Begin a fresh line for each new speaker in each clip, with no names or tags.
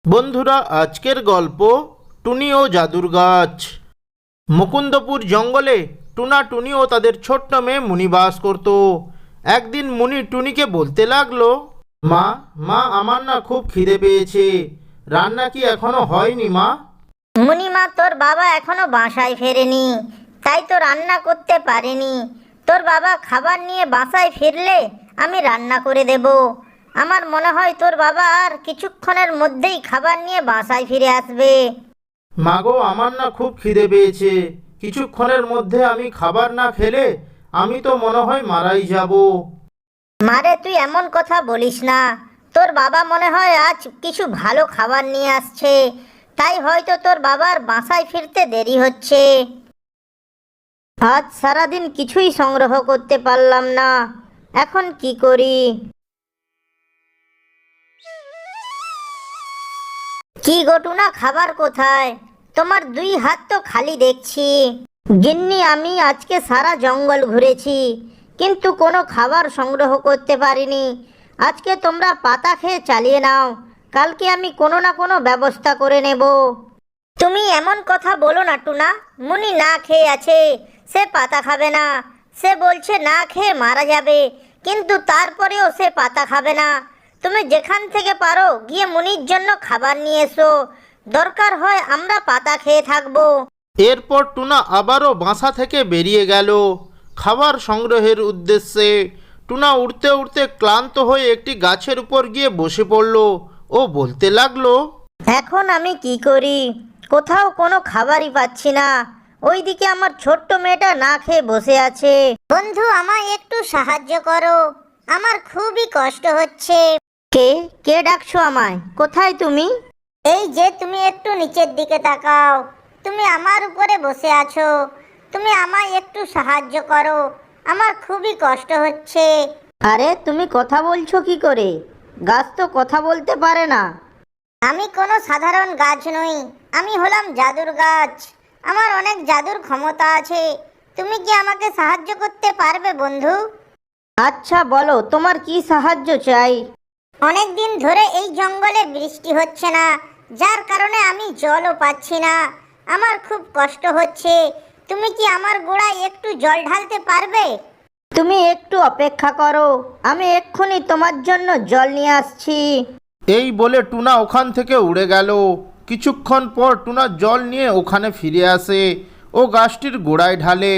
বন্ধুরা, আজকের গল্প টুনি ও জাদুর গাছ। মুকুন্দপুর জঙ্গলে টুনা, টুনি ও তাদের ছোট্ট মেয়ে মুনি বাস করত। একদিন মুনি টুনিকে বলতে লাগলো, মা মা আমার না খুব খিদে পেয়েছে, রান্না কি এখনো হয়নি মা?
মুনিমা, তোর বাবা এখনো বাসায় ফেরেনি, তাই তো রান্না করতে পারেনি। তোর বাবা খাবার নিয়ে বাসায় ফিরলে আমি রান্না করে দেব। আমার মনে হয় তোর বাবা আর কিছুক্ষণের মধ্যেই খাবার নিয়ে বাসায় ফিরে আসবে।
মাগো, আমার না খুব খিদে পেয়েছে, কিছুক্ষণের মধ্যে আমি খাবার না খেলে আমি তো মনে হয় মারাই যাব।
মারে, তুই এমন কথা বলিস না। তোর বাবা মনে হয় আজ কিছু ভালো খাবার নিয়ে আসছে, তাই হয়তো তোর বাবার বাসায় ফিরতে দেরি হচ্ছে। আজ সারাদিন কিছুই সংগ্রহ করতে পারলাম না, এখন কি করি? কি গটুনা, খাবার কোথায়? তোমার দুই হাত তো খালি দেখছি। গিন্নি, আমি আজকে সারা জঙ্গল ঘুরেছি, কিন্তু কোনো খাবার সংগ্রহ করতে পারিনি। আজকে তোমরা পাতা খেয়ে চালিয়ে নাও, কালকে আমি কোনো না কোনো ব্যবস্থা করে নেব। তুমি এমন কথা বলো না টুনা, মুনি না খেয়ে আছে, সে পাতা খাবে না। সে বলছে না খেয়ে মারা যাবে, কিন্তু তারপরেও সে পাতা খাবে না। তুমি যেখান থেকে পারো গিয়ে মুনির জন্য খাবার নিয়ে এসো, দরকার হয় আমরা পাতা খেয়ে থাকবো।
এরপর টুনা আবারও বাসা থেকে বেরিয়ে গেল খাবার সংগ্রহের উদ্দেশ্যে। টুনা উড়তে উড়তে ক্লান্ত হয়ে একটি গাছের উপর গিয়ে বসে পড়ল ও বলতে লাগলো,
এখন আমি কি করি? কোথাও কোনো খাবারই পাচ্ছি না। ওইদিকে আমার ছোট্ট মেয়েটা না খেয়ে বসে আছে। বন্ধু, আমায় একটু সাহায্য করো, আমার খুবই কষ্ট হচ্ছে। কে কে ডাকছো আমায়? কোথায় তুমি? এই যে, তুমি একটু নিচের দিকে তাকাও, তুমি আমার উপরে বসে আছো। তুমি আমায় একটু সাহায্য করো, আমার খুবই কষ্ট হচ্ছে। আরে, তুমি কথা বলছো কি করে? গাছ তো কথা বলতে পারে না। আমি কোনো সাধারণ গাছ নই, আমি হলাম জাদুর গাছ। আমার অনেক জাদুর ক্ষমতা আছে। তুমি কি আমাকে সাহায্য করতে পারবে বন্ধু? আচ্ছা, বলো তোমার কি সাহায্য চাই? অনেক দিন ধরে এই জঙ্গলে বৃষ্টি হচ্ছে না, যার কারণে আমি জলও পাচ্ছি না। আমার খুব কষ্ট হচ্ছে। তুমি কি আমার গোড়ায় একটু জল ঢালতে পারবে? তুমি একটু অপেক্ষা করো, আমি এক্ষুনি তোমার জন্য জল নিয়ে আসছি।
এই বলে টুনা ওখান থেকে উড়ে গেল। কিছুক্ষণ পর টুনা জল নিয়ে ওখানে ফিরে আসে ও গাছটির গোড়ায় ঢালে।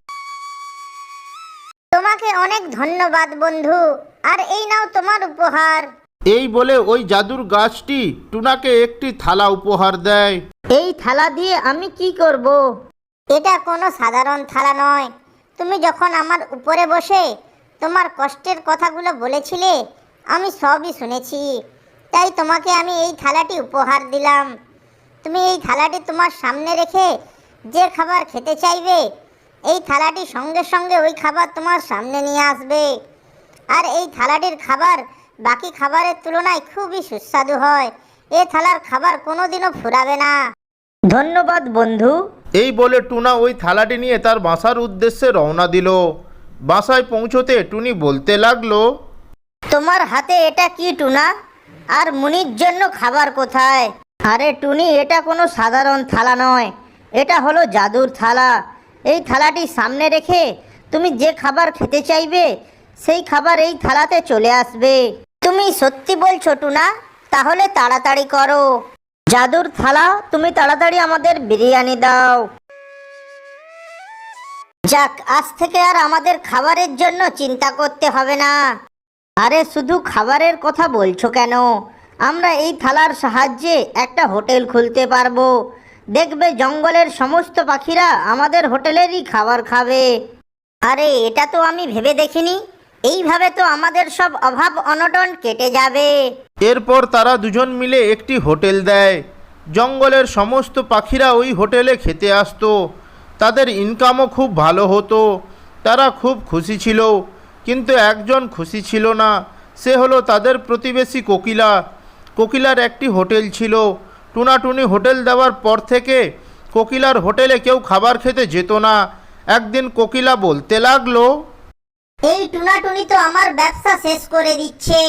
তোমাকে অনেক ধন্যবাদ বন্ধু, আর এই নাও তোমার উপহার।
এই বলে ওই জাদুর গাছটি টুনাকে একটি থালা উপহার দেয়।
এই থালা দিয়ে আমি কি করব? এটা কোনো সাধারণ থালা নয়। তুমি যখন আমার উপরে বসে তোমার কষ্টের কথাগুলো বলেছিলে, আমি সবই শুনেছি, তাই তোমাকে আমি এই থালাটি উপহার দিলাম। তুমি এই থালাটি তোমার সামনে রেখে যে খাবার খেতে চাইবে, এই থালাটি সঙ্গে সঙ্গে ওই খাবার তোমার সামনে নিয়ে আসবে। আর এই থালাটির খাবার বাকি খাবারের তুলনায় খুবই সুস্বাদু হয়। এই থালার খাবার কোনোদিনও ফুরাবে না। ধন্যবাদ বন্ধু।
এই বলে টুনা ওই থালাটি নিয়ে তার বাসার উদ্দেশ্যে রওনা দিল। বাসায় পৌঁছতে টুনি বলতে লাগলো,
তোমার হাতে এটা কি টুনা? আর মুনির জন্য খাবার কোথায়? আরে টুনি, এটা কোনো সাধারণ থালা নয়, এটা হলো জাদুর থালা। এই থালাটি সামনে রেখে তুমি যে খাবার খেতে চাইবে, সেই খাবার এই থালাতে চলে আসবে। তুমি সত্যি বলছো টুনা? তাহলে তাড়াতাড়ি করো। জাদুর থালা, তুমি তাড়াতাড়ি আমাদের বিরিয়ানি দাও। যাক, আজ থেকে আর আমাদের খাবারের জন্য চিন্তা করতে হবে না। আরে, শুধু খাবারের কথা বলছো কেন? আমরা এই থালার সাহায্যে একটা হোটেল খুলতে পারবো। দেখবে জঙ্গলের সমস্ত পাখিরা আমাদের হোটেলেরই খাবার খাবে। আরে, এটা তো আমি ভেবে দেখিনি। এইভাবে তো আমাদের সব অভাব অনটন কেটে যাবে।
এরপর তারা দুজন মিলে একটি হোটেল দেয়। জঙ্গলের সমস্ত পাখিরা ওই হোটেলে খেতে আসতো। তাদের ইনকামও খুব ভালো হতো। তারা খুব খুশি ছিল, কিন্তু একজন খুশি ছিল না। সে হলো তাদের প্রতিবেশী কোকিলা। কোকিলার একটি হোটেল ছিল। টুনাটুনি হোটেল দেওয়ার পর থেকে কোকিলার হোটেলে কেউ খাবার খেতে যেত না। একদিন কোকিলা বলতে লাগলো,
এই টুনাটুনি তো আমার ব্যবসা শেষ করে দিচ্ছে।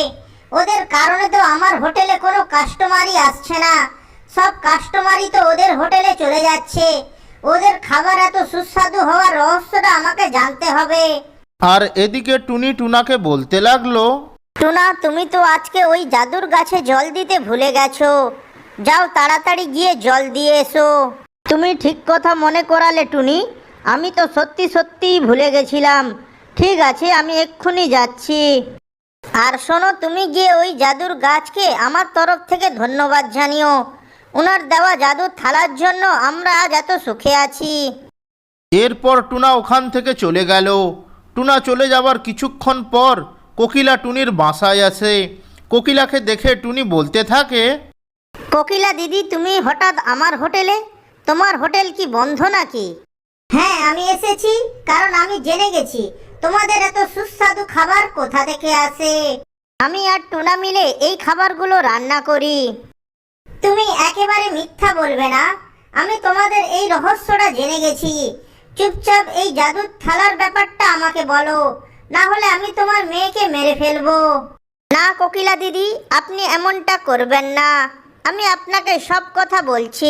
ওদের কারণে তো আমার হোটেলে কোনো কাস্টমারই আসছে না। সব কাস্টমারই তো ওদের হোটেলে চলে যাচ্ছে। ওদের খাবার এত সুস্বাদু হওয়ার রহস্যটা আমাকে জানতে হবে।
আর এদিকে টুনি টুনাকে বলতে লাগলো,
টুনা, তুমি তো আজকে ওই জাদুর গাছে জল দিতে ভুলে গেছো। যাও তাড়াতাড়ি গিয়ে জল দিয়ে এসো। তুমি ঠিক কথা মনে করালে টুনি, আমি তো সত্যি সত্যিই ভুলে গেছিলাম। ঠিক আছে, আমি এক্ষুনি যাচ্ছি। আর শোনো, তুমি গিয়ে ওই জাদুর গাছকে আমার তরফ থেকে ধন্যবাদ জানিও। ওনার দেওয়া জাদুর থালার জন্য আমরা আজ এত সুখে আছি।
এরপর টুনা ওখান থেকে চলে গেল। টুনা চলে যাবার কিছুক্ষণ পর কোকিলা টুনির বাসায় আসে। কোকিলাকে দেখে টুনি বলতে থাকে,
কোকিলা দিদি, তুমি হঠাৎ আমার হোটেলে? তোমার হোটেল কি বন্ধ নাকি? হ্যাঁ, আমি এসেছি কারণ আমি জেনে গেছি তোমাদের এত সুস্বাদু খাবার কোথা থেকে আসে। আমি আর টুনা মিলে এই খাবারগুলো রান্না করি। তুমি একেবারে মিথ্যা বলবে না। আমি তোমাদের এই রহস্যটা জেনে গেছি। চুপচাপ এই জাদুর থালার ব্যাপারটা আমাকে বলো, না হলে আমি তোমার মেয়েকে মেরে ফেলবো। না কোকিলা দিদি, আপনি এমনটা করবেন না। আমি আপনাকে সব কথা বলছি।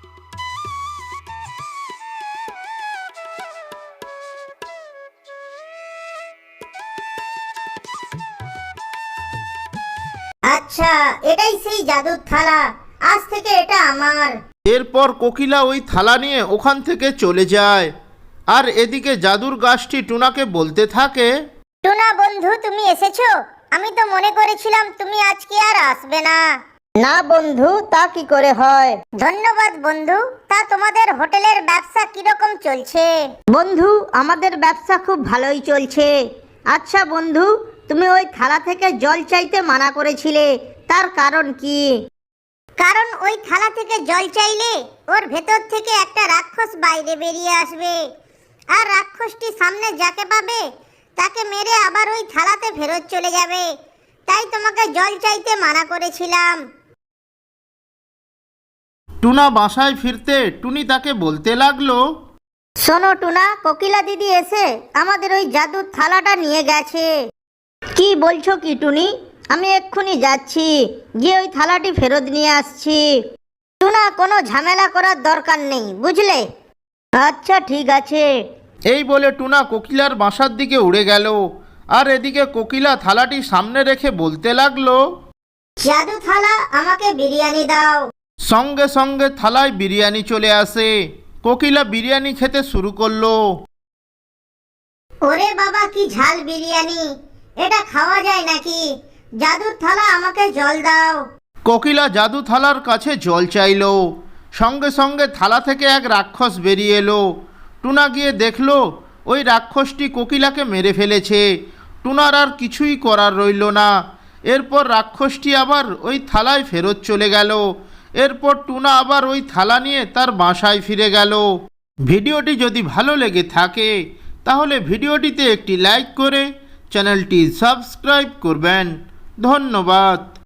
আচ্ছা, এটাই সেই জাদুর থালা। আজ থেকে এটা আমার।
এরপর কোকিলা ওই থালা নিয়ে ওখান থেকে চলে যায়। আর এদিকে জাদুর গাছটি টুনাকে বলতে থাকে,
টুনা বন্ধু, তুমি এসেছো? আমি তো মনে করেছিলাম তুমি আজকে আর আসবে না। না বন্ধু, তা কি করে হয়? ধন্যবাদ বন্ধু। তা তোমাদের হোটেলের ব্যবসা কিরকম চলছে? বন্ধু, আমাদের ব্যবসা খুব ভালোই চলছে। আচ্ছা বন্ধু, তুমি ওই থালা থেকে জল চাইতে মানা করেছিলে, তার কারণ কি? কারণ ওই থালা থেকে জল চাইলে ওর ভেতর থেকে একটা রাক্ষস বাইরে বেরিয়ে আসবে। আর রাক্ষসটি সামনে যাকে পাবে তাকে মেরে আবার ওই থালাতে ফেরত চলে যাবে। তাই তোমাকে জল চাইতে মানা করেছিলাম।
টুনা বাসায় ফিরতে টুনি তাকে বলতে লাগলো,
শোনো টুনা, কোকিলা দিদি এসে আমাদের ওই জাদুর থালাটা নিয়ে গেছে। কি বলছো কি টুনি? আমি এক্ষুনি যাচ্ছি, গিয়ে ওই থালাটি ফেরত নিয়ে আসছি। টুনা, কোনো ঝামেলা করার দরকার নেই, বুঝলে? আচ্ছা ঠিক আছে।
এই বলে টুনা কোকিলার বাসার দিকে উড়ে গেল। আর এদিকে কোকিলা থালাটি সামনে রেখে বলতে লাগলো,
জাদু থালা, আমাকে বিরিয়ানি দাও।
সঙ্গে সঙ্গে থালায় বিরিয়ানি চলে আসে। কোকিলা বিরিয়ানি খেতে শুরু করলো।
ওরে বাবা, কি ঝাল বিরিয়ানি! এটা খাওয়া যায় নাকি? জাদুর থালা, আমাকে জল দাও।
কোকিলা জাদু থালার কাছে জল চাইলো। সঙ্গে সঙ্গে থালা থেকে এক রাক্ষস বেরিয়ে এলো। টুনা গিয়ে দেখলো ওই রাক্ষসটি কোকিলাকে মেরে ফেলেছে। টুনার আর কিছুই করার রইল না। এরপর রাক্ষসটি আবার ওই থালায় ফেরত চলে গেল। এরপর টুনা আবার ওই থালা নিয়ে তার বাসায় ফিরে গেল। ভিডিওটি যদি ভালো লেগে থাকে তাহলে ভিডিওটিতে একটি লাইক করে চ্যানেলটি সাবস্ক্রাইব করবেন। ধন্যবাদ।